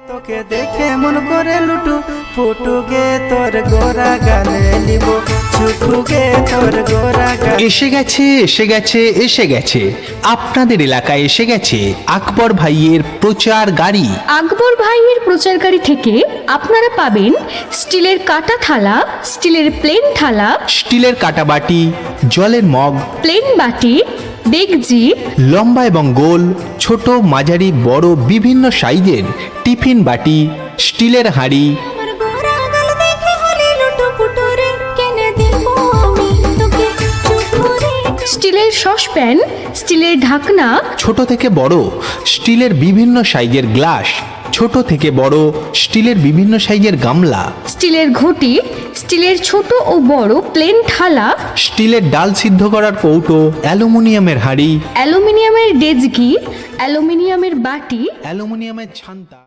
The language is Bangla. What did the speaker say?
তোকে দেখে মন করে লুটু ফুটুকে তোর গোরা গালে নিব ছুটুকে তোর গোরা গালে। এসে গেছে এসে গেছে এসে গেছে আপনাদের এলাকায় এসে গেছে আকবর ভাইয়ের প্রচার গাড়ি। আকবর ভাইয়ের প্রচার গাড়ি থেকে আপনারা পাবেন স্টিলের কাটা থালা, স্টিলের প্লেন থালা, স্টিলের কাটাবাটি, জলের মগ, প্লেন বাটি, ডেকচি, লম্বা এবং গোল, ছোট মাঝারি বড় বিভিন্ন সাইজের টিফিন বাটি, স্টিলের হাঁড়ি, আমার গোরা গাল দেখে হলি লুটু পুটুরে কেনে দিব আমি তোকে চুপুরে। স্টিলের সসপ্যান, স্টিলের ঢাকনা, ছোট থেকে বড় স্টিলের বিভিন্ন সাইজের গ্লাস, ছোট থেকে বড় স্টিলের বিভিন্ন সাইজের গামলা, স্টিলের ঘটি, স্টিলের ছোট ও বড় প্লেন থালা, স্টিলের ডাল সিদ্ধ করার কৌটো, অ্যালুমিনিয়ামের হাঁড়ি, অ্যালুমিনিয়ামের ডেকচি, অ্যালুমিনিয়ামের বাটি, অ্যালুমিনিয়ামের ছান্তা।